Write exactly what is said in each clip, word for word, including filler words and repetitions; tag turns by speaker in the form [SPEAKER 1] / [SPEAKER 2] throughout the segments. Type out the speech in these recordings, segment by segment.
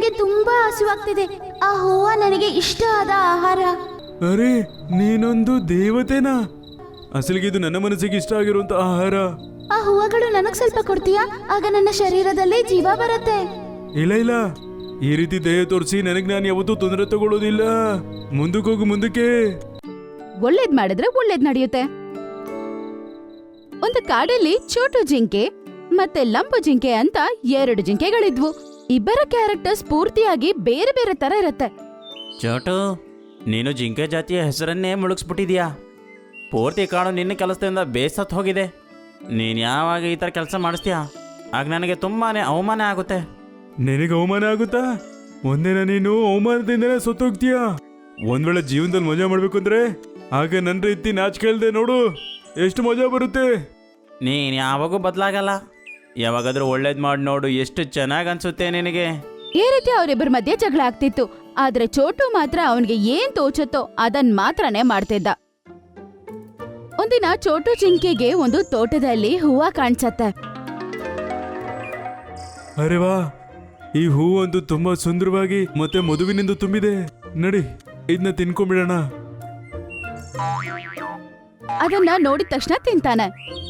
[SPEAKER 1] ನನಗೆ ತುಂಬಾ ಹಸಿವಾಗ್ತಿದೆ. ಆ ಹೂವ ನನಗೆ ಇಷ್ಟ ಆದ ಆಹಾರ.
[SPEAKER 2] ಅರೆ, ನೀನೊಂದು ದೇವತೆನಾ? ಅಸಲಿಗೆ ಇದು ನನ್ನ ಮನಸ್ಸಿಗೆ ಇಷ್ಟ ಆಗಿರುವಂತ ಆಹಾರ.
[SPEAKER 1] ಆ ಹೂವಗಳು ನನಗ್ ಸ್ವಲ್ಪ ಕೊಡ್ತೀಯಾ? ಆಗ ನನ್ನ ಶರೀರದಲ್ಲಿ ಜೀವ ಬರುತ್ತೆ.
[SPEAKER 2] ಇಲ್ಲ ಇಲ್ಲ, ಈ ರೀತಿ ದಯ ತೋರಿಸಿ ನನಗ್ ನಾನು ಯಾವತ್ತೂ ತೊಂದರೆ ತಗೊಳ್ಳೋದಿಲ್ಲ. ಮುಂದಕ್ಕೆ ಹೋಗು, ಮುಂದಕ್ಕೆ.
[SPEAKER 1] ಒಳ್ಳೇದ್ ಮಾಡಿದ್ರೆ ಒಳ್ಳೇದ್ ನಡೆಯುತ್ತೆ. ಒಂದು ಕಾಡಲ್ಲಿ ಚೋಟು ಜಿಂಕೆ ಮತ್ತೆ ಲಂಬು ಜಿಂಕೆ ಅಂತ ಎರಡು ಜಿಂಕೆಗಳಿದ್ವು. ಇಬ್ಬರ ಕ್ಯಾರೆಕ್ಟರ್ಸ್ ಪೂರ್ತಿಯಾಗಿ ಬೇರೆ ಬೇರೆ ತರ ಇರತ್ತೆ.
[SPEAKER 3] ಚೋಟು, ನೀನು ಜಿಂಕೆ ಜಾತಿಯ ಹೆಸರನ್ನೇ ಮುಳುಗಿಸ್ಬಿಟ್ಟಿದ್ಯಾ. ಪೂರ್ತಿ ಕಾಡು ನಿನ್ನ ಕೆಲಸದಿಂದ ಬೇಸತ್ತು ಹೋಗಿದೆ. ನೀನು ಯಾವಾಗ ಈ ಥರ ಕೆಲಸ ಮಾಡಿಸ್ತೀಯಾ ಆಗ ನನಗೆ ತುಂಬಾನೇ ಅವಮಾನ ಆಗುತ್ತೆ.
[SPEAKER 2] ನಿನಗೆ ಅವಮಾನ ಆಗುತ್ತಾ? ಒಂದಿನ ನೀನು ಅವಮಾನದಿಂದನೇ ಸತ್ತೋಗ್ತೀಯಾ. ಒಂದ್ ವೇಳೆ ಜೀವನದಲ್ಲಿ ಮಜಾ ಮಾಡ್ಬೇಕು ಅಂದ್ರೆ ಆಗ ನನ್ನ ರೀತಿ ನಾಚಿಕೆಳ್ದೆ ನೋಡು, ಎಷ್ಟು ಮಜಾ ಬರುತ್ತೆ.
[SPEAKER 3] ನೀನು ಯಾವಾಗೂ ಬದಲಾಗಲ್ಲ. ಯಾವಾಗಾದ್ರೂ ಒಳ್ಳೇದು ಮಾಡಿ ನೋಡು, ಎಷ್ಟು ಚೆನ್ನಾಗಿ ಅನ್ಸುತ್ತೆ ನಿನಗೆ.
[SPEAKER 1] ಈ ರೀತಿ ಅವರಿಬ್ಬರ ಮಧ್ಯೆ ಜಗಳ ಆಗ್ತಿತ್ತು. ಆದ್ರೆ ಚೋಟು ಮಾತ್ರ ಅವನಿಗೆ ಏನ್ ತೋಚುತ್ತೋ ಅದನ್ ಮಾತ್ರನೇ ಮಾಡ್ತಿದ್ದ. ಒಂದಿನ ಚೋಟು ಜಿಂಕೆಗೆ ಒಂದು ತೋಟದಲ್ಲಿ ಹೂವ ಕಾಣಿಸತ್ತೆ.
[SPEAKER 2] ಅರೆ ವಾ, ಈ ಹೂವೊಂದು ತುಂಬಾ ಸುಂದರವಾಗಿ ಮತ್ತೆ ಮಧುವಿನಿಂದ ತುಂಬಿದೆ. ನಡಿ, ಇದನ್ನ ತಿನ್ಕೊಂಡ್ಬಿಡೋಣ.
[SPEAKER 1] ಅದನ್ನ ನೋಡಿದ ತಕ್ಷಣ ತಿಂತಾನೆ.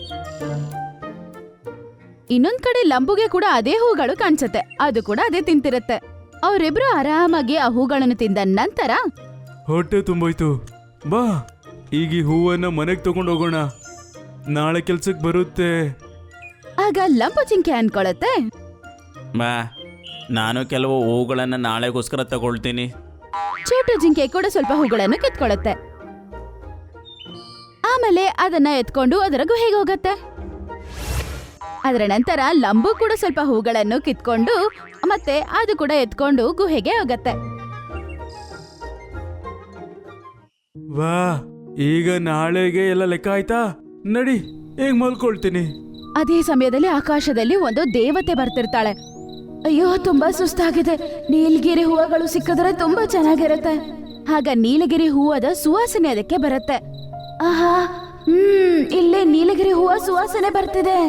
[SPEAKER 1] ಇನ್ನೊಂದ್ ಕಡೆ ಲಂಬುಗೆ ಕೂಡ ಅದೇ ಹೂಗಳು ಕಾಣಿಸತ್ತೆ. ಅದು ಕೂಡ ಅದೇ ತಿಂತಿರತ್ತೆ. ಅವರಿಬ್ರು ಆರಾಮಾಗಿ ಆ ಹೂಗಳನ್ನು ತಿಂದ ನಂತರ
[SPEAKER 2] ಹೊಟ್ಟೆ ತುಂಬೋಯ್ತು. ಬಾ, ಈಗ ಈ ಹೂವನ್ನ ಮನೆಗೆ ತಗೊಂಡು ಹೋಗೋಣ, ನಾಳೆ ಕೆಲ್ಸಕ್ಕೆ ಬರುತ್ತೆ.
[SPEAKER 1] ಆಗ ಲಂಬು ಜಿಂಕೆ ಅನ್ಕೊಳತ್ತೆ,
[SPEAKER 3] ಬಾ, ನಾನು ಕೆಲವು ಹೂಗಳನ್ನು ನಾಳೆಗೋಸ್ಕರ ತಗೊಳ್ತೀನಿ.
[SPEAKER 1] ಚೋಟು ಜಿಂಕೆ ಕೂಡ ಸ್ವಲ್ಪ ಹೂಗಳನ್ನು ಕಿತ್ಕೊಳತ್ತೆ. ಆಮೇಲೆ ಅದನ್ನ ಎತ್ಕೊಂಡು ಅದರ ಗುಹೆಗೆ ಹೋಗತ್ತೆ. ಅದರ ನಂತರ ಲಂಬು ಕೂಡ ಸ್ವಲ್ಪ ಹೂಗಳನ್ನು ಕಿತ್ಕೊಂಡು ಮತ್ತೆ ಅದು ಕೂಡ ಎತ್ಕೊಂಡು ಗುಹೆಗೆ ಹೋಗತ್ತೆ.
[SPEAKER 2] ವಾ, ಈಗ ನಾಳೆಗೆ ಎಲ್ಲ ಲೆಕ್ಕ ಆಯ್ತಾ? ನಡಿ, ಈಗ ಮಲ್ಕೊಳ್ತೀನಿ.
[SPEAKER 1] ಅದೇ ಸಮಯದಲ್ಲಿ ಆಕಾಶದಲ್ಲಿ ಒಂದು ದೇವತೆ ಬರ್ತಿರ್ತಾಳೆ. ಅಯ್ಯೋ, ತುಂಬಾ ಸುಸ್ತಾಗಿದೆ. ನೀಲಗಿರಿ ಹೂವಗಳು ಸಿಕ್ಕಿದ್ರೆ ತುಂಬಾ ಚೆನ್ನಾಗಿರುತ್ತೆ. ಆಗ ನೀಲಗಿರಿ ಹೂವದ ಸುವಾಸನೆ ಅದಕ್ಕೆ ಬರುತ್ತೆ. ಆಹಾ, ಹ್ಮ್ ಇಲ್ಲೇ ನೀಲಗಿರಿ ಹೂವ ಸುವಾಸನೆ ಬರ್ತಿದೆ.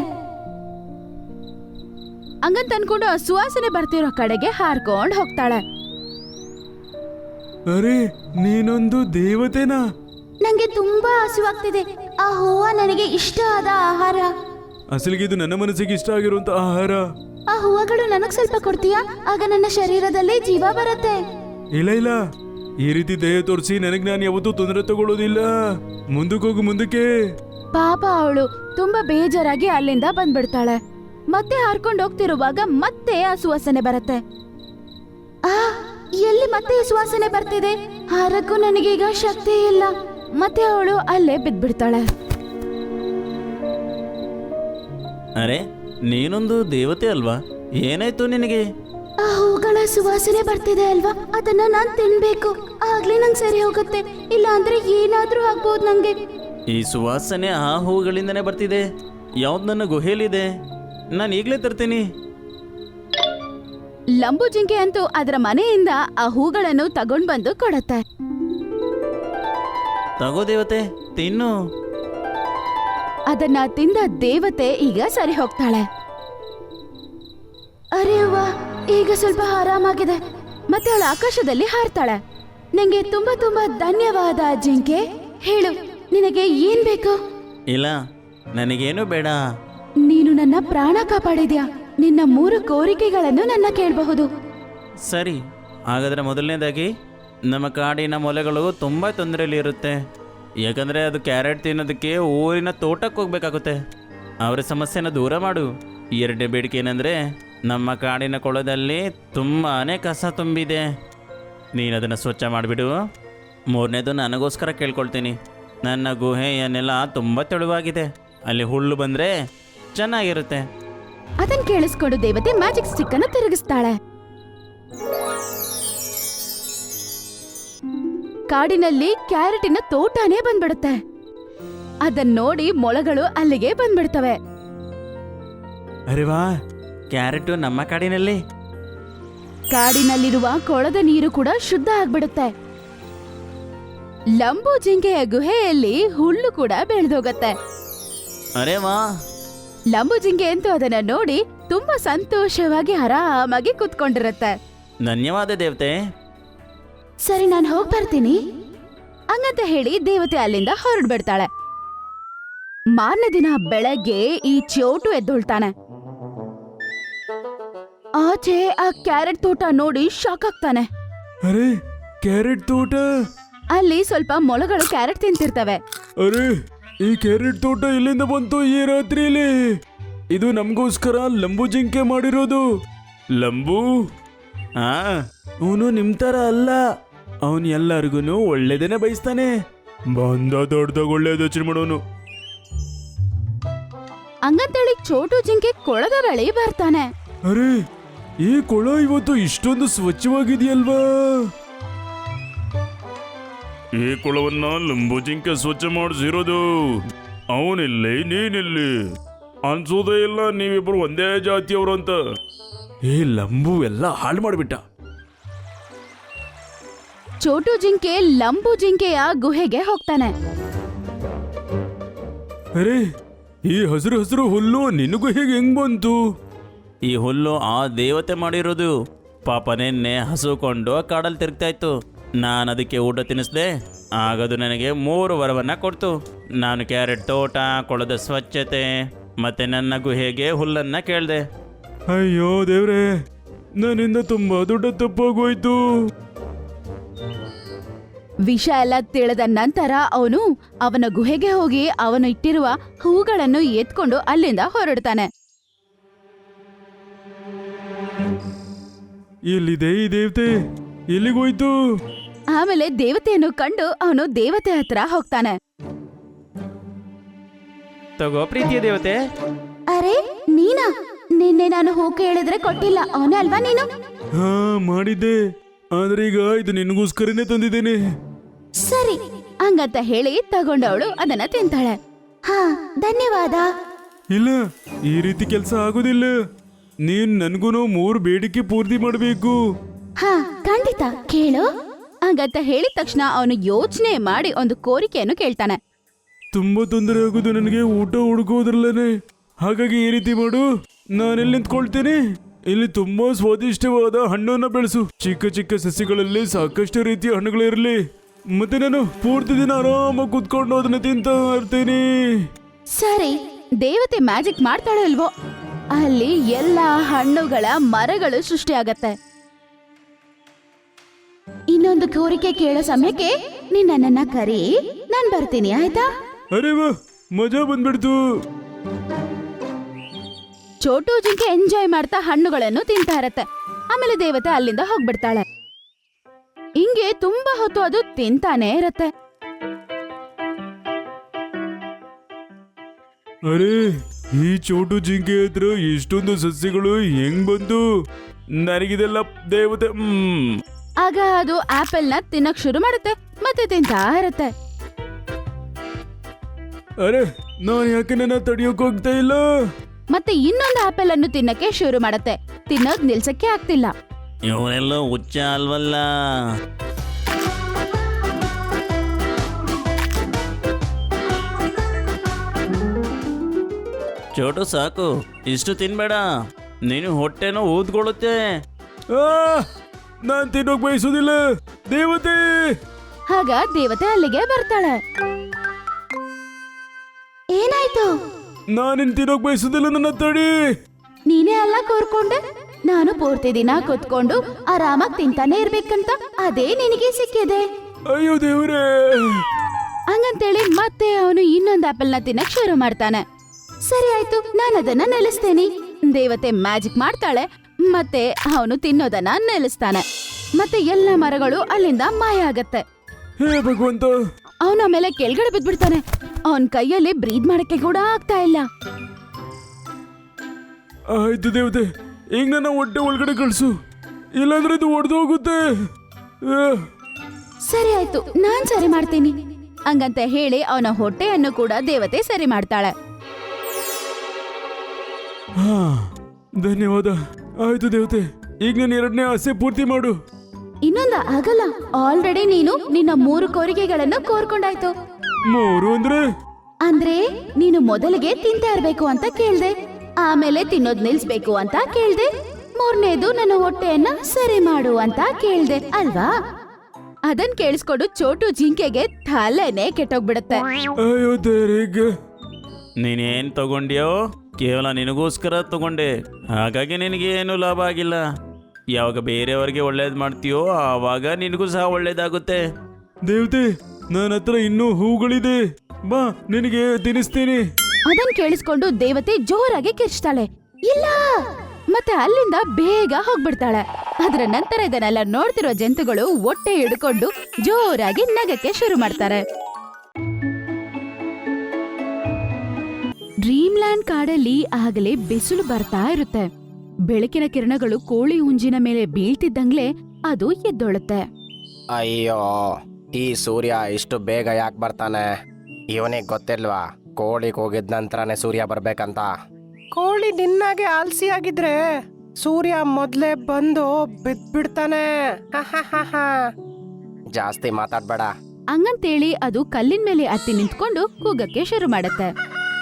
[SPEAKER 1] ಹಂಗಂತ ಅನ್ಕೊಂಡು ಆ ಸುವಾಸನೆ ಬರ್ತಿರೋ ಕಡೆಗೆ ಹಾರ್ಕೊಂಡ್ ಹೋಗ್ತಾಳೆ.
[SPEAKER 2] ಅರೆ, ನೀನೊಂದು ದೇವತೆನಾ?
[SPEAKER 1] ನಂಗೆ ತುಂಬಾ ಹಸಿವಾಗ್ತಿದೆ. ಆ ಹೂವ ನನಗೆ ಇಷ್ಟ ಆದ ಆಹಾರ.
[SPEAKER 2] ಅಸಲಿಗೆ ಇದು ನನ್ನ ಮನಸ್ಸಿಗೆ ಇಷ್ಟ ಆಗಿರುವಂತ ಆಹಾರ.
[SPEAKER 1] ಆ ಹೂವಗಳು ನನಗ್ ಸ್ವಲ್ಪ ಕೊಡ್ತೀಯಾ? ಆಗ ನನ್ನ ಶರೀರದಲ್ಲಿ ಜೀವ ಬರುತ್ತೆ.
[SPEAKER 2] ಇಲ್ಲ ಇಲ್ಲ, ಈ ರೀತಿ ದಯ ತೋರಿಸಿ ನನಗ್ ನಾನು ಯಾವತ್ತೂ ತೊಂದರೆ ತಗೊಳ್ಳೋದಿಲ್ಲ. ಮುಂದಕ್ಕೆ ಹೋಗು, ಮುಂದಕ್ಕೆ.
[SPEAKER 1] ಪಾಪ, ಅವಳು ತುಂಬಾ ಬೇಜಾರಾಗಿ ಅಲ್ಲಿಂದ ಬಂದ್ಬಿಡ್ತಾಳೆ. ಮತ್ತೆ ಹಾರ್ಕೊಂಡು ಹೋಗ್ತಿರುವಾಗ ಮತ್ತೆ ಆ ಸುವಾಸನೆ ಬರುತ್ತೆ. ಆ ಎಲ್ಲಿ ಮತ್ತೆ ಈ ಸುವಾಸನೆ ಬರ್ತಿದೆ? ಹಾರಕ್ಕೂ ನನಗೀಗ ಶಕ್ತಿ ಇಲ್ಲ. ಮತ್ತೆ ಅವಳು ಅಲ್ಲೇ ಬಿದ್ಬಿಡ್ತಾಳೆ.
[SPEAKER 3] ಅರೆ, ನೀನೊಂದು ದೇವತೆ ಅಲ್ವಾ? ಏನಾಯ್ತು ನಿನಗೆ?
[SPEAKER 1] ಆ ಹೂಗಳ ಸುವಾಸನೆ ಬರ್ತಿದೆ ಅಲ್ವಾ, ಅದನ್ನ ನಾನ್ ತಿನ್ಬೇಕು. ಆಗ್ಲೇ ನಂಗೆ ಸರಿ ಹೋಗುತ್ತೆ. ಇಲ್ಲ ಅಂದ್ರೆ ಏನಾದ್ರೂ ಆಗ್ಬೋದು ನಂಗೆ.
[SPEAKER 3] ಈ ಸುವಾಸನೆ ಆ ಹೂಗಳಿಂದನೇ ಬರ್ತಿದೆ. ಯಾವ್ದು ನನ್ನ ಗುಹೆಯಲ್ಲಿದೆ? ನಾನು ಈಗಲೇ ತರ್ತೀನಿ.
[SPEAKER 1] ಲಂಬು ಜಿಂಕೆ ಅಂತೂ ಅದರ ಮನೆಯಿಂದ ಆ ಹೂಗಳನ್ನು ತಗೊಂಡ್ ಬಂದು ಕೊಡತ್ತೆ.
[SPEAKER 3] ತಗೋ ದೇವತೆ, ತಿನ್ನು.
[SPEAKER 1] ಅದನ್ನ ತಿಂದ ದೇವತೆ ಈಗ ಸರಿ ಹೋಗ್ತಾಳೆ. ಅರೆ ವಾ, ಈಗ ಸ್ವಲ್ಪ ಆರಾಮಾಗಿದೆ. ಮತ್ತೆ ಅವಳು ಆಕಾಶದಲ್ಲಿ ಹಾರ್ತಾಳೆ. ನಿಂಗೆ ತುಂಬಾ ತುಂಬಾ ಧನ್ಯವಾದ ಜಿಂಕೆ. ಹೇಳು, ನಿನಗೆ ಏನ್ ಬೇಕು?
[SPEAKER 3] ಇಲ್ಲ, ನನಗೇನು ಬೇಡ.
[SPEAKER 1] ನೀನು ನನ್ನ ಪ್ರಾಣ ಕಾಪಾಡಿದ್ಯಾ. ನಿನ್ನ ಮೂರು ಕೋರಿಕೆಗಳನ್ನು ನನ್ನ ಕೇಳಬಹುದು.
[SPEAKER 3] ಸರಿ, ಹಾಗಾದರೆ ಮೊದಲನೇದಾಗಿ ನಮ್ಮ ಕಾಡಿನ ಮೊಲೆಗಳು ತುಂಬ ತೊಂದರೆಯಲ್ಲಿ ಇರುತ್ತೆ. ಯಾಕಂದರೆ ಅದು ಕ್ಯಾರೆಟ್ ತಿನ್ನೋದಕ್ಕೆ ಊರಿನ ತೋಟಕ್ಕೆ ಹೋಗ್ಬೇಕಾಗುತ್ತೆ. ಅವರ ಸಮಸ್ಯೆನ ದೂರ ಮಾಡು. ಎರಡನೇ ಬೇಡಿಕೆ ಏನಂದರೆ, ನಮ್ಮ ಕಾಡಿನ ಕೊಳದಲ್ಲಿ ತುಂಬಾ ಕಸ ತುಂಬಿದೆ, ನೀನು ಅದನ್ನು ಸ್ವಚ್ಛ ಮಾಡಿಬಿಡು. ಮೂರನೇದು ನನಗೋಸ್ಕರ ಕೇಳ್ಕೊಳ್ತೀನಿ, ನನ್ನ ಗುಹೆಯ ನೆಲ ತುಂಬ ತೆಳುವಾಗಿದೆ, ಅಲ್ಲಿ ಹುಲ್ಲು ಬಂದರೆ ಚೆನ್ನಾಗಿರುತ್ತೆ.
[SPEAKER 1] ಅದನ್ ಕೇಳಿಸ್ಕೊಂಡು ದೇವತೆ ಮ್ಯಾಜಿಕ್ ಸ್ಟಿಕ್ ಅನ್ನು ತಿರುಗಿಸ್ತಾಳೆ. ಕಾಡಿನಲ್ಲಿ ಕ್ಯಾರೆಟಿನ ತೋಟನೇ ಬಂದ್ಬಿಡುತ್ತೆ. ಅದನ್ನ ನೋಡಿ ಮೊಳಗಳು ಅಲ್ಲಿಗೆ ಬಂದ್ಬಿಡ್ತವೆ.
[SPEAKER 2] ಅರೆ ವಾ,
[SPEAKER 3] ಕ್ಯಾರೆಟು ನಮ್ಮ ಕಾಡಿನಲ್ಲಿ.
[SPEAKER 1] ಕಾಡಿನಲ್ಲಿರುವ ಕೊಳದ ನೀರು ಕೂಡ ಶುದ್ಧ ಆಗ್ಬಿಡುತ್ತೆ. ಲಂಬು ಜಿಂಕೆಯ ಗುಹೆಯಲ್ಲಿ ಹುಲ್ಲು ಕೂಡ ಬೆಳೆದೋಗತ್ತೆ.
[SPEAKER 3] ಅರೆ ವಾ,
[SPEAKER 1] ಲಂಬು ಜಿಂಕೆ ಅಂತೂ ಅದನ್ನ ನೋಡಿ ತುಂಬಾ ಸಂತೋಷವಾಗಿ ಆರಾಮಾಗಿ ಕೂತ್ಕೊಂಡಿರತ್ತೆ.
[SPEAKER 3] ಧನ್ಯವಾದ ದೇವತೆ.
[SPEAKER 1] ಸರಿ ನಾನು ಹೋಗ್ ಬರ್ತೀನಿ ಹಂಗಂತ ಹೇಳಿ ದೇವತೆ ಅಲ್ಲಿಂದ ಹೊರಡ್ಬಿಡ್ತಾಳೆ. ಮಾರನೇ ದಿನ ಬೆಳಗ್ಗೆ ಈ ಚೋಟು ಎದ್ದೊಳ್ತಾನೆ. ಆಚೆ ಆ ಕ್ಯಾರೆಟ್ ತೋಟ ನೋಡಿ ಶಾಕ್ ಆಗ್ತಾನೆ.
[SPEAKER 2] ಅರೆ ಕ್ಯಾರೆಟ್ ತೋಟ.
[SPEAKER 1] ಅಲ್ಲಿ ಸ್ವಲ್ಪ ಮೊಲಗಳು ಕ್ಯಾರೆಟ್ ತಿಂತಿರ್ತವೆ.
[SPEAKER 2] ಅರೆ ಈ ಕ್ಯಾರೆಟ್ ತೋಟ ಇಲ್ಲಿಂದ ಬಂತು ಈ ರಾತ್ರಿಯಲ್ಲಿ? ಇದು ನಮಗೋಸ್ಕರ ಲಂಬು ಜಿಂಕೆ ಮಾಡಿರೋದು. ಲಂಬು
[SPEAKER 3] ಹಾ,
[SPEAKER 2] ಅವನು ನಿಮ್ ತರ ಅಲ್ಲ. ಅವನು ಎಲ್ಲರಿಗೂ ಒಳ್ಳೇದೇನೆ ಬಯಸ್ತಾನೆ. ಬಂದ ದೊಡ್ಡದಾಗ ಒಳ್ಳೆಯದು ಯೋಚನೆ ಮಾಡೋನು.
[SPEAKER 1] ಹಂಗಂತೇಳಿ ಚೋಟು ಜಿಂಕೆ ಕೊಳದ ಬಳಿ ಬರ್ತಾನೆ.
[SPEAKER 2] ಅರೆ ಈ ಕೊಳ ಇವತ್ತು ಇಷ್ಟೊಂದು ಸ್ವಚ್ಛವಾಗಿದೆಯಲ್ವಾ? ಈ ಕೊಳವನ್ನ ಲಂಬು ಜಿಂಕೆ ಸ್ವಚ್ಛ ಮಾಡಿಸಿರೋದು. ಅವನಿಲ್ಲಿ ನೀನಿಲ್ಲಿ ಅನ್ಸೋದೇ ಇಲ್ಲ ನೀವಿಬ್ರು ಒಂದೇ ಜಾತಿಯವರು ಅಂತ. ಈ ಲಂಬು ಎಲ್ಲ ಹಾಳು ಮಾಡಿಬಿಟ್ಟ.
[SPEAKER 1] ಚೋಟು ಜಿಂಕೆ ಲಂಬು ಜಿಂಕೆಯ ಗುಹೆಗೆ ಹೋಗ್ತಾನೆ.
[SPEAKER 2] ಅರೆ ಈ ಹಸಿರು ಹಸಿರು ಹುಲ್ಲು ನಿನಗೂ ಹೇಗೆ ಹೆಂಗ್ ಬಂತು?
[SPEAKER 3] ಈ ಹುಲ್ಲು ಆ ದೇವತೆ ಮಾಡಿರೋದು. ಪಾಪ ನಿನ್ನೆ ಹಸುಕೊಂಡು ಕಾಡಲ್ಲಿ ತಿರುಗ್ತಾ ಇತ್ತು. ನಾನು ಅದಕ್ಕೆ ಊಟ ತಿನ್ನಿಸ್ದೆ. ಆಗದು ನನಗೆ ಮೂರು ವರವನ್ನ ಕೊಡ್ತು. ನಾನು ಕ್ಯಾರೆಟ್ ತೋಟ, ಕೊಳದ ಸ್ವಚ್ಛತೆ ಮತ್ತೆ ನನ್ನ ಗುಹೆಗೆ ಹುಲ್ಲನ್ನ ಕೇಳಿದೆ.
[SPEAKER 2] ಅಯ್ಯೋ ದೇವ್ರೆ, ನನ್ನಿಂದ ತುಂಬಾ ದೊಡ್ಡ ತಪ್ಪಾಗೋಯ್ತು.
[SPEAKER 1] ವಿಷ ಎಲ್ಲ ತಿಳಿದ ನಂತರ ಅವನು ಅವನ ಗುಹೆಗೆ ಹೋಗಿ ಅವನು ಇಟ್ಟಿರುವ ಹೂಗಳನ್ನು ಎತ್ಕೊಂಡು ಅಲ್ಲಿಂದ ಹೊರಡ್ತಾನೆ.
[SPEAKER 2] ಎಲ್ಲಿದೆ ಈ ದೇವತೆ? ಎಲ್ಲಿಗೋಯ್ತು?
[SPEAKER 1] ಆಮೇಲೆ ದೇವತೆಯನ್ನು ಕಂಡು ಅವನು ದೇವತೆ ಹತ್ರ ಹೋಗ್ತಾನೆ.
[SPEAKER 3] ತಗೋ ಪ್ರೀತಿಯ ದೇವತೆ.
[SPEAKER 1] ಅರೆ ನೀನಾ? ನಿನ್ನೆ ನಾನು ಹೂ ಕೇಳಿದ್ರೆ ಕೊಟ್ಟಿಲ್ಲ, ಅವನೇ ಅಲ್ವಾ ನೀನು?
[SPEAKER 2] ಹಾ ಮಾಡಿದ್ದೆ, ಆದ್ರೆ ಈಗ ಇದು ನಿನಗೋಸ್ಕರನೇ ತಂದಿದ್ದೇನೆ.
[SPEAKER 1] ಸರಿ ಹಂಗಂತ ಹೇಳಿ ತಗೊಂಡವಳು ಅದನ್ನ ತಿಂತಾಳೆ. ಹಾ ಧನ್ಯವಾದ.
[SPEAKER 2] ಇಲ್ಲ, ಈ ರೀತಿ ಕೆಲಸ ಆಗೋದಿಲ್ಲ. ನೀನ್ ನನ್ಗೂನು ಮೂರು ಬೇಡಿಕೆ ಪೂರ್ತಿ ಮಾಡಬೇಕು.
[SPEAKER 1] ಹಾ ಖಂಡಿತ ಕೇಳು. ಹಂಗಂತ ಹೇಳಿದ ತಕ್ಷಣ ಅವನು ಯೋಚನೆ ಮಾಡಿ ಒಂದು ಕೋರಿಕೆಯನ್ನು ಕೇಳ್ತಾನೆ.
[SPEAKER 2] ತುಂಬಾ ತೊಂದರೆ ಆಗೋದು ನನಗೆ ಊಟ ಹುಡುಕೋದ್ರಲ್ಲೇ. ಹಾಗಾಗಿ ಈ ರೀತಿ ಮಾಡು, ನಾನೆಲ್ಲಿ ನಿಂತ್ಕೊಳ್ತೇನೆ. ಇಲ್ಲಿ ತುಂಬಾ ಸ್ವಾದಿಷ್ಟವಾದ ಹಣ್ಣನ್ನ ಬೆಳೆಸು. ಚಿಕ್ಕ ಚಿಕ್ಕ ಸಸಿಗಳಲ್ಲಿ ಸಾಕಷ್ಟು ರೀತಿಯ ಹಣ್ಣುಗಳಿರಲಿ. ಮತ್ತೆ ನಾನು ಪೂರ್ತಿ ದಿನ ಆರಾಮಾಗಿ ಕುತ್ಕೊಂಡು ಅದನ್ನ ತಿಂತಾ ಇರ್ತೀನಿ.
[SPEAKER 1] ಸರಿ ದೇವತೆ ಮ್ಯಾಜಿಕ್ ಮಾಡ್ತಾಳೆ ಅಲ್ವೋ, ಅಲ್ಲಿ ಎಲ್ಲಾ ಹಣ್ಣುಗಳ ಮರಗಳು ಸೃಷ್ಟಿಯಾಗತ್ತೆ. ಇನ್ನೊಂದು ಕೋರಿಕೆ ಕೇಳೋ ಸಮಯಕ್ಕೆ ನೀನ್ ನನ್ನನ್ನ ಕರಿ, ನಾನ್ ಬರ್ತೀನಿ ಆಯ್ತಾ?
[SPEAKER 2] ಅರೆ ವಾ, ಮಜಾ ಬಂದ್ಬಿಡ್ತು.
[SPEAKER 1] ಚೋಟು ಜಿಂಕೆ ಎಂಜಾಯ್ ಮಾಡ್ತಾ ಹಣ್ಣುಗಳನ್ನು ತಿಂತಾ ಇರತ್ತೆ. ಆಮೇಲೆ ದೇವತೆ ಅಲ್ಲಿಂದ ಹೋಗ್ಬಿಡ್ತಾಳೆ. ಹಿಂಗೆ ತುಂಬಾ ಹೊತ್ತು ಅದು ತಿಂತಾನೆ ಇರತ್ತೆ.
[SPEAKER 2] ಅರೆ ಈ ಚೋಟು ಜಿಂಕೆ ಹತ್ರ ಇಷ್ಟೊಂದು ಸಸ್ಯಗಳು ಹೆಂಗ್ ಬಂತು? ನನಗಿದೆಲ್ಲ ದೇವತೆ. ಹ್ಮ್
[SPEAKER 1] ಆಗ ಅದು ಆಪಲ್ ನ ತಿನ್ನಕ್ ಶುರು ಮಾಡುತ್ತೆ ಮತ್ತೆ ತಿಂತಾ ಇರತ್ತೆ.
[SPEAKER 2] ಅರೆ ನಾನು ಯಾಕೆ ನನ್ನ ತಡಿಯೋಕ್ ಹೋಗ್ತಾ ಇಲ್ಲ?
[SPEAKER 1] ಮತ್ತೆ ಇನ್ನೊಂದು ಆಪಲ್ ಅನ್ನು ತಿನ್ನಕ್ಕೆ ಶುರು ಮಾಡತ್ತೆ. ತಿನ್ನೋದ್ ನಿಲ್ಸಕ್ಕೆ ಆಗ್ತಿಲ್ಲ.
[SPEAKER 3] ಇವರೆಲ್ಲ ಹುಚ್ಚ ಅಲ್ವಲ್ಲ. ಚೋಟು ಸಾಕು, ಇಷ್ಟು ತಿನ್ಬೇಡ, ನೀನು ಹೊಟ್ಟೆನೋ ಊದ್ಕೊಳ್ಳುತ್ತೆ.
[SPEAKER 2] ಆ, ನಾನ್ ತಿನ್ನೋಕ್ ಬಯಸೋದಿಲ್ಲ ದೇವತೆ.
[SPEAKER 1] ಆಗ ದೇವತೆ ಅಲ್ಲಿಗೆ ಬರ್ತಾಳೆ. ಏನಾಯ್ತು?
[SPEAKER 2] ನಾನಿನ್ ತಿನ್ನೋಕ್ ಬಯಸೋದಿಲ್ಲ, ನನ್ನ ತಡಿ.
[SPEAKER 1] ನೀನೇ ಅಲ್ಲ ಕೋರ್ಕೊಂಡೆ. ನಾನು ಪೂರ್ತಿ ದಿನ ಕುತ್ಕೊಂಡು ಆರಾಮಾಗಿ ತಿಂತಾನೆ ಇರ್ಬೇಕಂತ ಅದೇ ನಿನಗೆ ಸಿಕ್ಕಿದೆ.
[SPEAKER 2] ಅಯ್ಯೋ ದೇವ್ರೇ.
[SPEAKER 1] ಹಂಗಂತೇಳಿ ಮತ್ತೆ ಅವನು ಇನ್ನೊಂದು ಆಪಲ್ ನ ತಿನ್ನಕ್ ಶುರು ಮಾಡ್ತಾನೆ. ಸರಿ ಆಯ್ತು, ನಾನು ಅದನ್ನ ನಿಲ್ಲಿಸ್ತೀನಿ. ದೇವತೆ ಮ್ಯಾಜಿಕ್ ಮಾಡ್ತಾಳೆ ಮತ್ತೆ ಅವನು ತಿನ್ನೋದನ್ನ ನಿಲ್ಲಿಸ್ತಾನೆ. ಮತ್ತೆ ಎಲ್ಲ ಮರಗಳು ಅಲ್ಲಿಂದ ಮಾಯ ಆಗತ್ತೆ.
[SPEAKER 2] ಹೇ ಭಗವಂತ.
[SPEAKER 1] ಅವನ ಮೇಲೆ ಕೆಳಗಡೆ ಬಿದ್ಬಿಡ್ತಾನೆ. ಅವನ್ ಕೈಯಲ್ಲಿ ಬ್ರೀದ್ ಮಾಡಕ್ಕೆ ಕೂಡ ಆಗ್ತಾ ಇಲ್ಲ.
[SPEAKER 2] ಆಯ್ತು ದೇವತೆ, ಈಗ ನನ್ನ ಹೊಟ್ಟೆ ಒಳಗಡೆ ಕಳ್ಸು, ಇಲ್ಲಾಂದ್ರೆ ಇದು ಒಡೆದು ಹೋಗುತ್ತೆ.
[SPEAKER 1] ಸರಿ ಆಯ್ತು, ನಾನ್ ಸರಿ ಮಾಡ್ತೀನಿ. ಹಂಗಂತ ಹೇಳಿ ಅವನ ಹೊಟ್ಟೆಯನ್ನು ಕೂಡ ದೇವತೆ ಸರಿ ಮಾಡ್ತಾಳೆ.
[SPEAKER 2] ಹಾ ಧನ್ಯವಾದ. ಆಯ್ತು ದೇವತೆ, ಈಗ ನನ್ನ ಎರಡನೇ ಆಸೆ ಪೂರ್ತಿ ಮಾಡು.
[SPEAKER 1] ಇನ್ನೊಂದ ಆಗಲ್ಲ, ಆಲ್ರೆಡಿ ನೀನು ನಿನ್ನ ಮೂರು ಕೋರಿಕೆಗಳನ್ನು ಕೋರ್ಕೊಂಡಾಯ್ತು.
[SPEAKER 2] ಮೂರು ಅಂದ್ರೆ?
[SPEAKER 1] ಅಂದ್ರೆ ನೀನು ಮೊದಲಿಗೆ ತಿಂತಾ ಇರ್ಬೇಕು ಅಂತ ಕೇಳ್ದೆ, ಆಮೇಲೆ ತಿನ್ನೋದ್ ನಿಲ್ಸ್ಬೇಕು ಅಂತ ಕೇಳ್ದೆ, ಮೂರನೇದು ನನ್ನ ಹೊಟ್ಟೆಯನ್ನ ಸರಿ ಮಾಡು ಅಂತ ಕೇಳ್ದೆ ಅಲ್ವಾ? ಅದನ್ ಕೇಳಿಸ್ಕೊಂಡು ಚೋಟು ಜಿಂಕೆಗೆ ತಲೆನೇ ಕೆಟ್ಟೋಗ್ಬಿಡತ್ತೆ.
[SPEAKER 2] ಅಯ್ಯೋ ದೇವ್ರಿಗೆ.
[SPEAKER 3] ನೀನೇನು ತಗೊಂಡ್ಯೋ ಕೇವಲ ನಿನಗೋಸ್ಕರ ತಗೊಂಡೆ, ಹಾಗಾಗಿ ನಿನಗೇನು ಲಾಭ ಆಗಿಲ್ಲ. ಯಾವಾಗ ಬೇರೆಯವ್ರಿಗೆ ಒಳ್ಳೇದು ಮಾಡ್ತೀಯೋ ಆವಾಗ ನಿನಗೂ ಸಹ ಒಳ್ಳೇದಾಗುತ್ತೆ.
[SPEAKER 2] ದೇವತೆ, ನನ್ನ ಹತ್ರ ಇನ್ನೂ ಹೂಗಳಿದೆ, ಬಾ ನಿನಗೆ ತಿನ್ನಿಸ್ತೀನಿ.
[SPEAKER 1] ಅದನ್ ಕೇಳಿಸ್ಕೊಂಡು ದೇವತೆ ಜೋರಾಗಿ ಕಿರ್ಚ್ತಾಳೆ, ಇಲ್ಲ, ಮತ್ತೆ ಅಲ್ಲಿಂದ ಬೇಗ ಹೋಗ್ಬಿಡ್ತಾಳೆ. ಅದರ ನಂತರ ಇದನ್ನೆಲ್ಲ ನೋಡ್ತಿರೋ ಜಂತುಗಳು ಹೊಟ್ಟೆ ಹಿಡ್ಕೊಂಡು ಜೋರಾಗಿ ನಗಕ್ಕೆ ಶುರು ಮಾಡ್ತಾರೆ. ಡ್ರೀಮ್ಲ್ಯಾಂಡ್ ಕಾಡಲ್ಲಿ ಆಗಲೇ ಬಿಸಿಲು ಬರ್ತಾ ಇರುತ್ತೆ. ಬೆಳಕಿನ ಕಿರಣಗಳು ಕೋಳಿ ಹುಂಜಿನ ಮೇಲೆ ಬೀಳ್ತಿದ್ದಂಗ್ಲೆ ಅದು ಎದ್ದೊಳುತ್ತೆ.
[SPEAKER 4] ಅಯ್ಯೋ, ಈ ಸೂರ್ಯ ಇಷ್ಟು ಬೇಗ ಯಾಕೆ ಬರ್ತಾನೆ? ಇವನಿಗೆ ಗೊತ್ತಿಲ್ವಾ ಕೋಳಿಗೆ ಹೋಗಿದ ನಂತರನೇ ಸೂರ್ಯ ಬರ್ಬೇಕಂತ? ಕೋಳಿ ನಿನ್ನಾಗೆ ಆಲ್ಸಿ ಆಗಿದ್ರೆ ಸೂರ್ಯ ಮೊದ್ಲೇ ಬಂದು ಬಿದ್ಬಿಡ್ತಾನೆ. ಜಾಸ್ತಿ ಮಾತಾಡ್ಬೇಡ.
[SPEAKER 1] ಹಂಗಂತೇಳಿ ಅದು ಕಲ್ಲಿನ ಮೇಲೆ ಹತ್ತಿ ನಿಂತ್ಕೊಂಡು ಕೂಗಕ್ಕೆ ಶುರು ಮಾಡತ್ತೆ.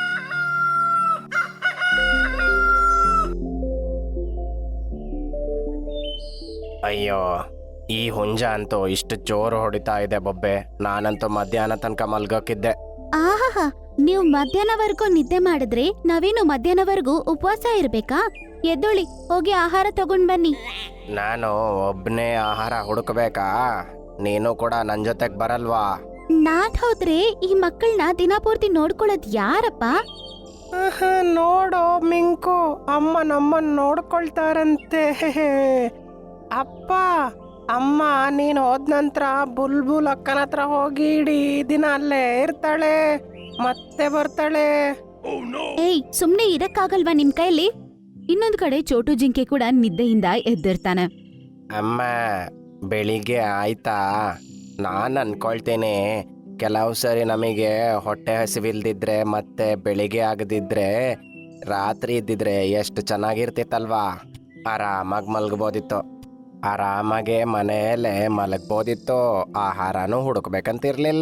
[SPEAKER 4] ಅಯ್ಯೋ, ಈ ಹುಂಜ ಅಂತೂ ಇಷ್ಟು ಜೋರು ಹೊಡಿತಾ ಇದೆ ಬೊಬ್ಬೆ. ನಾನಂತೂ ಮಧ್ಯಾಹ್ನ ತನಕ ಮಲ್ಗೋಕಿದ್ದೆ.
[SPEAKER 1] ಆಹಾ, ನೀವು ಮಧ್ಯಾಹ್ನವರೆಗೂ ನಿದ್ದೆ ಮಾಡಿದ್ರೆ ನಾವೇನು ಮಧ್ಯಾಹ್ನವರೆಗೂ ಉಪವಾಸ ಇರ್ಬೇಕಾ? ಎದ್ದೊಳಿ, ಹೋಗಿ ಆಹಾರ ತಗೊಂಡ್ ಬನ್ನಿ.
[SPEAKER 4] ನಾನು ಒಬ್ನೇ ಆಹಾರ ಹುಡುಕ್ಬೇಕಾ? ನೀನು ಕೂಡ ನನ್ ಜೊತೆಗ್ ಬರಲ್ವಾ?
[SPEAKER 1] ನಾನ್ ಹೋದ್ರೆ ಈ ಮಕ್ಕಳನ್ನ ದಿನಪೂರ್ತಿ ನೋಡ್ಕೊಳ್ಳೋದ್ ಯಾರಪ್ಪ?
[SPEAKER 4] ನೋಡೋ ಮಿಂಕು, ಅಮ್ಮ ನಮ್ಮನ್ ನೋಡ್ಕೊಳ್ತಾರಂತೆ. ಅಪ್ಪ ಅಮ್ಮ ನೀನ್ ಹೋದ ನಂತರ ಬುಲ್ಬುಲ್ ಅಕ್ಕನ ಹತ್ರ ಹೋಗಿ ಇಡೀ ದಿನ ಅಲ್ಲೇ ಇರ್ತಾಳೆ, ಮತ್ತೆ ಬರ್ತಾಳೆ.
[SPEAKER 1] ಏಯ್, ಸುಮ್ನೆ ಇರಕ್ಕಾಗಲ್ವಾ ನಿಮ್ ಕೈಲಿ? ಇನ್ನೊಂದ್ ಕಡೆ ಚೋಟು ಜಿಂಕೆ ಕೂಡ ನಿದ್ದೆಯಿಂದ ಎದ್ದಿರ್ತಾನೆ.
[SPEAKER 4] ಅಮ್ಮ ಬೆಳಿಗ್ಗೆ ಆಯ್ತಾ? ನಾನ್ ಅನ್ಕೊಳ್ತೇನೆ ಕೆಲವು ಸರಿ ನಮಗೆ ಹೊಟ್ಟೆ ಹಸಿವಿಲ್ದಿದ್ರೆ ಮತ್ತೆ ಬೆಳಿಗ್ಗೆ ಆಗದಿದ್ರೆ ರಾತ್ರಿ ಇದ್ದಿದ್ರೆ ಎಷ್ಟು ಚೆನ್ನಾಗಿರ್ತಿತ್ತಲ್ವಾ? ಆರಾಮಾಗಿ ಮಲ್ಗಬೋದಿತ್ತು, ಆರಾಮಾಗೆ ಮನೆಯಲ್ಲೇ ಮಲಗ್ಬೋದಿತ್ತು, ಆಹಾರನೂ ಹುಡುಕ್ಬೇಕಂತಿರ್ಲಿಲ್ಲ.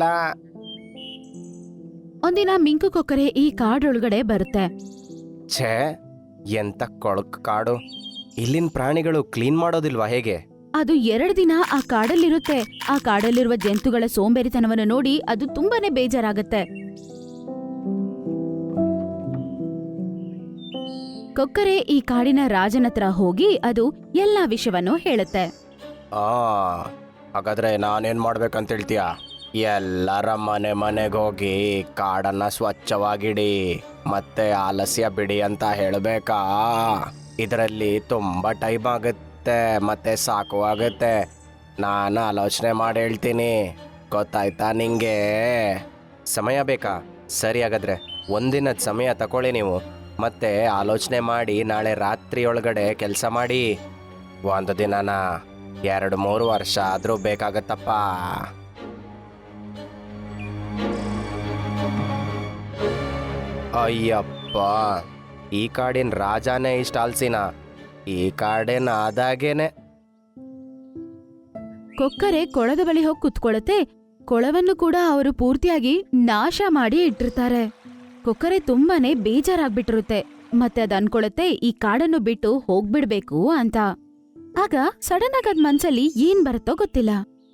[SPEAKER 1] ಒಂದಿನ ಮಿಂಕು ಕೊಕ್ಕರೆ ಈ ಕಾಡೊಳಗಡೆ ಬರುತ್ತೆ.
[SPEAKER 4] ಛೇ, ಎಂತ ಕೊಳಕ್ ಕಾಡು! ಇಲ್ಲಿನ ಪ್ರಾಣಿಗಳು ಕ್ಲೀನ್ ಮಾಡೋದಿಲ್ವಾ ಹೇಗೆ?
[SPEAKER 1] ಅದು ಎರಡು ದಿನ ಆ ಕಾಡಲ್ಲಿರುತ್ತೆ. ಆ ಕಾಡಲ್ಲಿರುವ ಜಂತುಗಳ ಸೋಂಬೇರಿತನವನ್ನು ನೋಡಿ ಅದು ತುಂಬಾನೇ ಬೇಜಾರಾಗತ್ತೆ. ಕೊಕ್ಕರೆ ಈ ಕಾಡಿನ ರಾಜನ ಹತ್ರ ಹೋಗಿ ಅದು ಎಲ್ಲಾ ವಿಷಯವನ್ನು ಹೇಳುತ್ತೆ.
[SPEAKER 4] ಆ ಹಾಗಾದ್ರೆ ನಾನೇನ್ ಮಾಡ್ಬೇಕಂತ ಹೇಳ್ತೀಯ? ಎಲ್ಲರ ಮನೆ ಮನೆಗೆ ಹೋಗಿ ಕಾಡನ್ನ ಸ್ವಚ್ಛವಾಗಿಡಿ ಮತ್ತೆ ಆಲಸ್ಯ ಬಿಡಿ ಅಂತ ಹೇಳಬೇಕಾ? ಇದರಲ್ಲಿ ತುಂಬಾ ಟೈಮ್ ಆಗುತ್ತೆ ಮತ್ತೆ ಸಾಕು ಆಗುತ್ತೆ. ನಾನು ಆಲೋಚನೆ ಮಾಡಿ ಹೇಳ್ತೀನಿ, ಗೊತ್ತಾಯ್ತಾ ನಿಂಗೆ? ಸಮಯ ಬೇಕಾ? ಸರಿ, ಹಾಗಾದ್ರೆ ಒಂದಿನದ ಸಮಯ ತಗೊಳ್ಳಿ ನೀವು, ಮತ್ತೆ ಆಲೋಚನೆ ಮಾಡಿ ನಾಳೆ ರಾತ್ರಿ ಒಳಗಡೆ ಕೆಲಸ ಮಾಡಿ. ಒಂದು ದಿನನ ಎರಡು ಮೂರು ವರ್ಷ ಆದರೂ ಬೇಕಾಗತ್ತಪ್ಪ. ಅಯ್ಯಪ್ಪ, ಈ ಕಾಡಿನ ರಾಜನೇ ಇಷ್ಟ ಆಲ್ಸಿನ? ಈ ಕಾಡಿನ ಆದಾಗೇನೆ.
[SPEAKER 1] ಕೊಕ್ಕರೆ ಕೊಳದ ಬಳಿ ಹೋಗಿ ಕುತ್ಕೊಳ್ಳುತ್ತೆ. ಕೊಳವನ್ನು ಕೂಡ ಅವರು ಪೂರ್ತಿಯಾಗಿ ನಾಶ ಮಾಡಿ ಇಟ್ಟಿರ್ತಾರೆ. ಕೊಕ್ಕರೆ ತುಂಬಾನೇ ಬೇಜಾರಾಗ್ಬಿಟ್ಟಿರುತ್ತೆ. ಮತ್ತೆ ಅದ್ ಅನ್ಕೊಳತ್ತೆ ಈ ಕಾಡನ್ನು ಬಿಟ್ಟು ಹೋಗ್ಬಿಡ್ಬೇಕು ಅಂತ. ಆಗ ಸಡನ್ ಆಗಿ ಅದ್ ಮನ್ಸಲ್ಲಿ ಏನ್ ಬರುತ್ತೋ ಗೊತ್ತಿಲ್ಲ.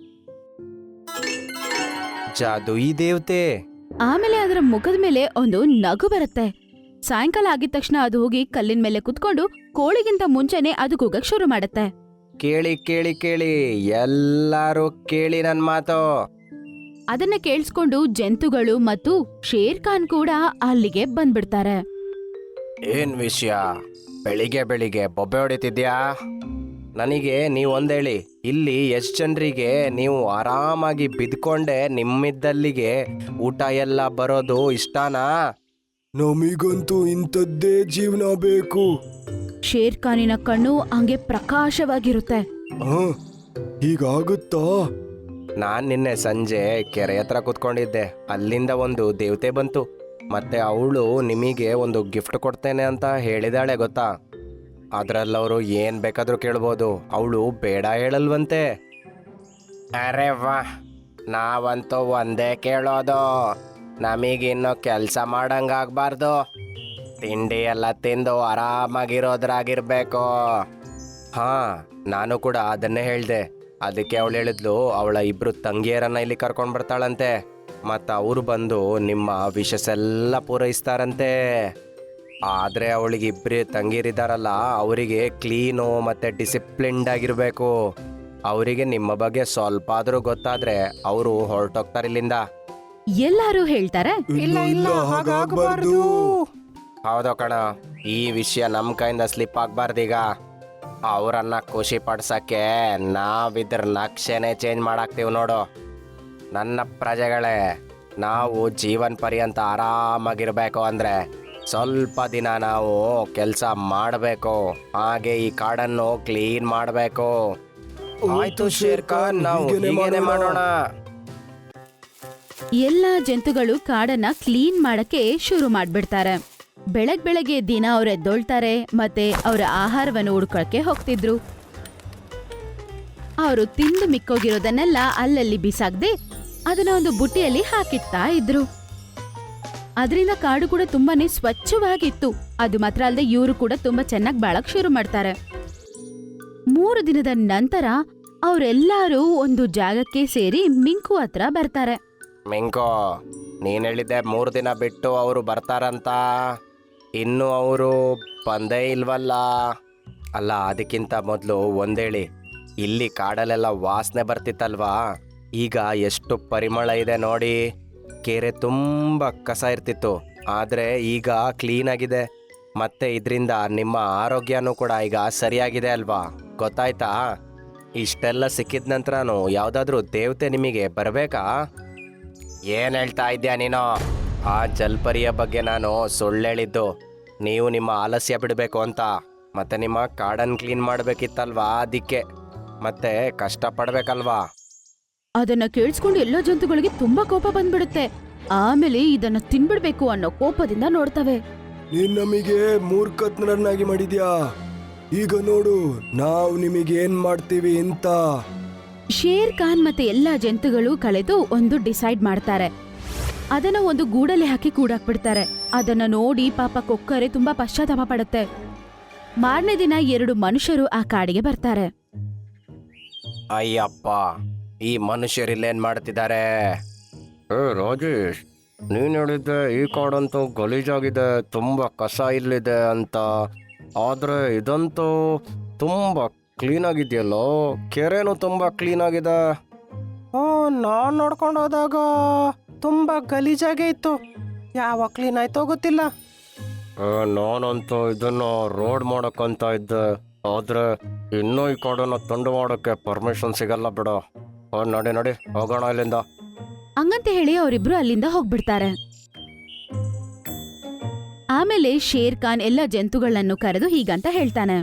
[SPEAKER 4] ಜಾದು ಈ ದೇವತೆ.
[SPEAKER 1] ಆಮೇಲೆ ಅದರ ಮುಖದ ಮೇಲೆ ಒಂದು ನಗು ಬರುತ್ತೆ. ಸಾಯಂಕಾಲ ಆಗಿದ ತಕ್ಷಣ ಅದು ಹೋಗಿ ಕಲ್ಲಿನ ಮೇಲೆ ಕುತ್ಕೊಂಡು ಕೋಳಿಗಿಂತ ಮುಂಚೆನೆ ಅದು ಕೂಗಕ್ ಶುರು ಮಾಡತ್ತೆ.
[SPEAKER 4] ಕೇಳಿ ಕೇಳಿ ಕೇಳಿ ಎಲ್ಲಾರು ಕೇಳಿ ನನ್ ಮಾತು.
[SPEAKER 1] ಅದನ್ನ ಕೇಳಿಸ್ಕೊಂಡು ಜಂತುಗಳು ಮತ್ತು ಶೇರ್ ಖಾನ್ ಕೂಡ ಅಲ್ಲಿಗೆ ಬಂದ್ಬಿಡ್ತಾರೆ.
[SPEAKER 4] ಏನ್ ವಿಷಯ? ಬೆಳಿಗ್ಗೆ ಬೆಳಿಗ್ಗೆ ಬೊಬ್ಬೆ ಹೊಡಿತಿದ್ಯಾ? ನನಗೆ ನೀವು ಒಂದೇಳಿ, ಇಲ್ಲಿ ಎಷ್ಟು ಜನರಿಗೆ ನೀವು ಆರಾಮಾಗಿ ಬಿದ್ಕೊಂಡೆ ನಿಮ್ಮಿದ್ದಲ್ಲಿಗೆ ಊಟ ಎಲ್ಲ ಬರೋದು ಇಷ್ಟನಾ?
[SPEAKER 2] ನಮಿಗಂತೂ ಇಂಥದ್ದೇ ಜೀವನ ಬೇಕು.
[SPEAKER 1] ಶೇರ್ ಖಾನಿನ ಕಣ್ಣು ಹಂಗೆ ಪ್ರಕಾಶವಾಗಿರುತ್ತೆ.
[SPEAKER 2] ಹೀಗಾಗುತ್ತಾ?
[SPEAKER 4] ನಾನ್ ನಿನ್ನೆ ಸಂಜೆ ಕೆರೆ ಹತ್ರ ಕುತ್ಕೊಂಡಿದ್ದೆ. ಅಲ್ಲಿಂದ ಒಂದು ದೇವತೆ ಬಂತು. ಮತ್ತೆ ಅವಳು ನಿಮಗೆ ಒಂದು ಗಿಫ್ಟ್ ಕೊಡ್ತೇನೆ ಅಂತ ಹೇಳಿದಾಳೆ ಗೊತ್ತಾ? ಅದ್ರಲ್ಲವರು ಏನ್ ಬೇಕಾದ್ರೂ ಕೇಳ್ಬೋದು, ಅವಳು ಬೇಡ ಹೇಳಲ್ವಂತೆ. ಅರೆ ವಾ, ನಾವಂತೂ ಒಂದೇ ಕೇಳೋದು, ನಮಗಿನ್ನು ಕೆಲಸ ಮಾಡಂಗಾಗ್ಬಾರ್ದು, ತಿಂಡಿ ಎಲ್ಲ ತಿಂದು ಆರಾಮಾಗಿರೋದ್ರಾಗಿರ್ಬೇಕು. ಹಾ ನಾನು ಕೂಡ ಅದನ್ನೇ ಹೇಳ್ದೆ. ಅದಕ್ಕೆ ಅವಳು ಹೇಳಿದ್ಲು ಅವಳ ಇಬ್ರು ತಂಗಿಯರನ್ನ ಇಲ್ಲಿ ಕರ್ಕೊಂಡ್ ಬರ್ತಾಳಂತೆ. ಮತ್ತ ಅವ್ರು ಬಂದು ನಿಮ್ಮ ವಿಶಸ್ ಎಲ್ಲ ಪೂರೈಸ್ತಾರಂತೆ. ಆದ್ರೆ ಅವಳಿಗೆ ಇಬ್ರು ತಂಗಿಯರಿದಾರಲ್ಲ, ಅವರಿಗೆ ಕ್ಲೀನು ಮತ್ತೆ ಡಿಸಿಪ್ಲಿನ್ಡ್ ಆಗಿರ್ಬೇಕು. ಅವರಿಗೆ ನಿಮ್ಮ ಬಗ್ಗೆ ಸ್ವಲ್ಪ ಆದ್ರೂ ಗೊತ್ತಾದ್ರೆ ಅವರು ಹೊರಟೋಗ್ತಾರೆ ಇಲ್ಲಿಂದ.
[SPEAKER 1] ಎಲ್ಲಾರು ಹೇಳ್ತಾರೆ,
[SPEAKER 4] ಇಲ್ಲ ಇಲ್ಲ ಹಾಗಾಗಬಾರ್ದು. ಹೌದು ಕಣ, ಈ ವಿಷಯ ನಮ್ಮ ಕೈಯಿಂದ ಸ್ಲಿಪ್ ಆಗ್ಬಾರ್ದೀಗ. ಅವರನ್ನ ಖುಷಿ ಪಡ್ಸಕ್ಕೆ ನಾವಿದ್ರ ನಕ್ಷೆನೆ ಚೇಂಜ್ ಮಾಡಾಕ್ತೀವಿ ನೋಡು. ನನ್ನ ಪ್ರಜೆಗಳೇ, ನಾವು ಜೀವನ್ ಪರ್ಯಂತ ಆರಾಮಾಗಿರ್ಬೇಕು ಅಂದ್ರೆ ಸ್ವಲ್ಪ ದಿನ ನಾವು ಕೆಲಸ ಮಾಡಬೇಕು. ಹಾಗೆ ಈ ಕಾಡನ್ನು ಕ್ಲೀನ್ ಮಾಡಬೇಕು. ಆಯ್ತು ಶೇರ್ ಖಾನ್, ನಾವು ಹೀಗೇನೆ ಮಾಡೋಣ.
[SPEAKER 1] ಎಲ್ಲಾ ಜಂತುಗಳು ಕಾಡನ್ನ ಕ್ಲೀನ್ ಮಾಡಕ್ಕೆ ಶುರು ಮಾಡ್ಬಿಡ್ತಾರೆ. ಬೆಳಗ್ ಬೆಳಗ್ಗೆ ದಿನ ಅವ್ರ ಎದ್ದೊಳ್ತಾರೆ ಮತ್ತೆ ಅವರ ಆಹಾರವನ್ನು ಹುಡ್ಕೊಳಕ್ಕೆ ಹೋಗ್ತಿದ್ರು. ಅವರು ತಿಂದು ಮಿಕ್ಕೋಗಿರೋದನ್ನೆಲ್ಲ ಅಲ್ಲಲ್ಲಿ ಬಿಸಾಕ್ದೆ ಅದನ್ನ ಒಂದು ಬುಟ್ಟಿಯಲ್ಲಿ ಹಾಕಿಡ್ತಾ ಇದ್ರು. ಅದರಿಂದ ಕಾಡು ಕೂಡ ತುಂಬಾನೇ ಸ್ವಚ್ಛವಾಗಿತ್ತು. ಅದು ಮಾತ್ರ ಅಲ್ಲದೆ ಇವರು ಕೂಡ ತುಂಬಾ ಚೆನ್ನಾಗಿ ಬಾಳಕ್ ಶುರು ಮಾಡ್ತಾರೆ. ಮೂರು ದಿನದ ನಂತರ ಅವರೆಲ್ಲರೂ ಒಂದು ಜಾಗಕ್ಕೆ ಸೇರಿ ಮಿಂಕು ಹತ್ರ ಬರ್ತಾರೆ.
[SPEAKER 4] ಮಿಂಕೋ, ನೀನ್ ಹೇಳಿದ್ದೆ ಮೂರು ದಿನ ಬಿಟ್ಟು ಅವರು ಬರ್ತಾರಂತ. ಇನ್ನು ಅವರು ಬಂದೇ ಇಲ್ವಲ್ಲ? ಅಲ್ಲ, ಅದಕ್ಕಿಂತ ಮೊದಲು ಒಂದೇಳಿ, ಇಲ್ಲಿ ಕಾಡಲ್ಲೆಲ್ಲ ವಾಸನೆ ಬರ್ತಿತ್ತಲ್ವಾ, ಈಗ ಎಷ್ಟು ಪರಿಮಳ ಇದೆ ನೋಡಿ. ಕೆರೆ ತುಂಬ ಕಸ ಇರ್ತಿತ್ತು, ಆದರೆ ಈಗ ಕ್ಲೀನ್ ಆಗಿದೆ. ಮತ್ತೆ ಇದರಿಂದ ನಿಮ್ಮ ಆರೋಗ್ಯನೂ ಕೂಡ ಈಗ ಸರಿಯಾಗಿದೆ ಅಲ್ವಾ? ಗೊತ್ತಾಯ್ತಾ? ಇಷ್ಟೆಲ್ಲ ಸಿಕ್ಕಿದ ನಂತರನೂ ಯಾವುದಾದ್ರೂ ದೇವತೆ ನಿಮಗೆ ಬರಬೇಕಾ? ಏನು ಹೇಳ್ತಾ ಇದ್ಯಾ ನೀನು? ಆ ಜಲ್ಪರಿಯ ಬಗ್ಗೆ ನಾನು ಸುಳ್ಳು ಹೇಳಿದ್ದು. ನೀವು ನಿಮ್ಮ ಆಲಸ್ಯ ಬಿಡಬೇಕು ಅಂತ, ಮತ್ತೆ ನಿಮ್ಮ ಕಾಡನ್ನು ಕ್ಲೀನ್ ಮಾಡಬೇಕಿತ್ತಲ್ವಾ, ಅದಕ್ಕೆ ಮತ್ತೆ ಕಷ್ಟಪಡ್ಬೇಕಲ್ವಾ?
[SPEAKER 1] ಅದನ್ನ ಕೇಳಿಸ್ಕೊಂಡು ಎಲ್ಲ ಜಂತುಗಳಿಗೆ ತುಂಬಾ ಕೋಪ ಬಂದ್ಬಿಡುತ್ತೆ. ಆಮೇಲೆ ಇದನ್ನ ತಿನ್ಬಿಡ್ಬೇಕು ಅನ್ನೋ ಕೋಪದಿಂದ ನೋಡ್ತವೆ.
[SPEAKER 5] ನೀನ್ ನಮಗೆ ಮೂರ್ಖತ್ನರನ್ನಾಗಿ ಮಾಡಿದ್ಯಾ. ಈಗ ನೋಡು ನಾವು ನಿಮಗೆ ಏನ್ ಮಾಡ್ತೀವಿ ಅಂತ.
[SPEAKER 1] ಶೇರ್ ಖಾನ್ ಮತ್ತೆ ಎಲ್ಲಾ ಜಂತುಗಳು ಕಳೆದು ಒಂದು ಡಿಸೈಡ್ ಮಾಡ್ತಾರೆ. ಅದನ್ನ ಒಂದು ಗೂಡಲ್ಲಿ ಹಾಕಿ ಕೂಡಾಕ್ಬಿಡ್ತಾರೆ. ಅದನ್ನ ನೋಡಿ ಪಾಪ ಕೊಕ್ಕರೆ ತುಂಬಾ ಪಶ್ಚಾತ್ತಾಪ ಪಡುತ್ತೆ. ಮಾರನೇ ದಿನ ಎರಡು ಮನುಷ್ಯರು ಆ ಕಾಡಿಗೆ ಬರ್ತಾರೆ.
[SPEAKER 4] ಅಯ್ಯಪ್ಪ, ಈ ಮನುಷ್ಯರಿಲ್ಲೇನ್ ಮಾಡ್ತಿದ್ದಾರೆ? ಏ ರಾಜೇಶ್, ನೀನು ಹೇಳಿದ್ದೆ ಈ ಕಾಡಂತೂ ಗಲೀಜಾಗಿದೆ, ತುಂಬ ಕಸ ಇಲ್ಲಿದೆ ಅಂತ. ಆದರೆ ಇದಂತೂ ತುಂಬ ಕ್ಲೀನ್ ಆಗಿದೆಯಲ್ಲೋ, ಕೆರೆನೂ ತುಂಬ ಕ್ಲೀನ್ ಆಗಿದೆ. ಓ, ನಾನು ನೋಡ್ಕೊಂಡು ಹೋದಾಗ ತುಂಬ ಗಲೀಜಾಗೇ ಇತ್ತು. ಯಾವಾಗ ಕ್ಲೀನ್ ಆಯ್ತೋ ಗೊತ್ತಿಲ್ಲ. ನಾನಂತೂ ಇದನ್ನು ರೋಡ್ ಮಾಡೋಕ್ಕಂತ ಇದ್ದೆ, ಆದರೆ ಇನ್ನೂ ಈ ಕಾಡನ್ನು ತುಂಡು ಮಾಡೋಕ್ಕೆ ಪರ್ಮಿಷನ್ ಸಿಗಲ್ಲ ಬಿಡು. ಓ ನಡಿ ನಡಿ ಹೋಗೋಣ ಇಲ್ಲಿಂದ.
[SPEAKER 1] ಹಂಗಂತ ಹೇಳಿ ಅವರಿಬ್ರು ಅಲ್ಲಿಂದ ಹೋಗ್ಬಿಡ್ತಾರೆ. ಆಮೇಲೆ ಶೇರ್ ಖಾನ್ ಎಲ್ಲ ಜಂತುಗಳನ್ನು ಕರೆದು ಹೀಗಂತ ಹೇಳ್ತಾನೆ.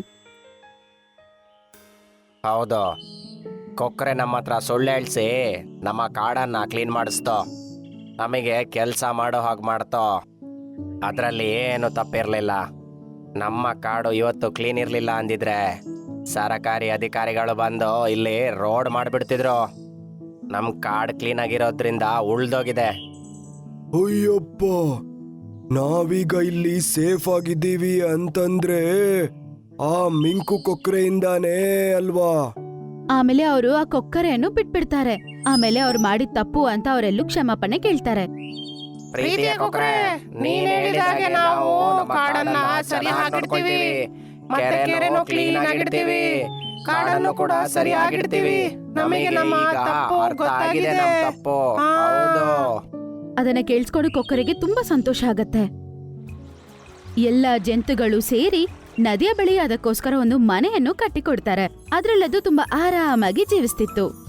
[SPEAKER 4] ಹೌದು, ಕೊಕ್ಕರೆ ನಮ್ಮ ಹತ್ರ ಸುಳ್ಳು ಹೇಳ್ಸಿ ನಮ್ಮ ಕಾಡನ್ನು ಕ್ಲೀನ್ ಮಾಡಿಸ್ತೋ, ನಮಗೆ ಕೆಲಸ ಮಾಡೋ ಹಾಗೆ ಮಾಡ್ತೋ. ಅದರಲ್ಲಿ ಏನು ತಪ್ಪಿರಲಿಲ್ಲ. ನಮ್ಮ ಕಾಡು ಇವತ್ತು ಕ್ಲೀನ್ ಇರಲಿಲ್ಲ ಅಂದಿದ್ರೆ ಸರಕಾರಿ ಅಧಿಕಾರಿಗಳು ಬಂದು ಇಲ್ಲಿ ರೋಡ್ ಮಾಡಿಬಿಡ್ತಿದ್ರು. ನಮ್ಮ ಕಾಡು ಕ್ಲೀನ್ ಆಗಿರೋದ್ರಿಂದ ಉಳ್ದೋಗಿದೆ.
[SPEAKER 5] ಅಯ್ಯಪ್ಪ, ನಾವೀಗ ಇಲ್ಲಿ ಸೇಫ್ ಆಗಿದ್ದೀವಿ ಅಂತಂದ್ರೆ ಆ ಮಿಂಕು ಕೊಕ್ರೆಯಿಂದಾನೇ ಅಲ್ವಾ?
[SPEAKER 1] ಆಮೇಲೆ ಅವರು ಆ ಕೊಕ್ಕರೆಯನ್ನು ಬಿಟ್ಬಿಡ್ತಾರೆ. ಆಮೇಲೆ ಅವ್ರು ಮಾಡಿದ ತಪ್ಪು ಅಂತ ಅವರೆಲ್ಲೂ ಕ್ಷಮಾಪಣೆ ಕೇಳ್ತಾರೆ.
[SPEAKER 4] ಪ್ರೀತಿಯ ಕೊಕ್ಕರೆ, ನೀನ್ ಹೇಳಿದಾಗೆ ನಾವು ಕಾಡನ್ನ ಸರಿಯಾಗಿಡ್ತೀವಿ, ಮತ್ತೆ ಕೆರೆನೂ ಕ್ಲೀನ್ ಆಗಿಡ್ತೀವಿ, ಕಾಡನ್ನು ಕೂಡ ಸರಿಯಾಗಿಡ್ತೀವಿ. ನಮಗೆ ನಮ್ಮ ತಪ್ಪು ಗೊತ್ತಾಗಿದೆ, ನಮ್ಮ ತಪ್ಪು. ಹೌದು.
[SPEAKER 1] ಅದನ್ನ ಕೇಳಿಸ್ಕೊಂಡು ಕೊಕ್ಕರೆಗೆ ತುಂಬಾ ಸಂತೋಷ ಆಗತ್ತೆ. ಎಲ್ಲ ಜಂತುಗಳು ಸೇರಿ ನದಿಯ ಬಳಿ ಅದಕ್ಕೋಸ್ಕರ ಒಂದು ಮನೆಯನ್ನು ಕಟ್ಟಿಕೊಡ್ತಾರೆ. ಅದ್ರಲ್ಲದು ತುಂಬಾ ಆರಾಮಾಗಿ ಜೀವಿಸ್ತಿತ್ತು.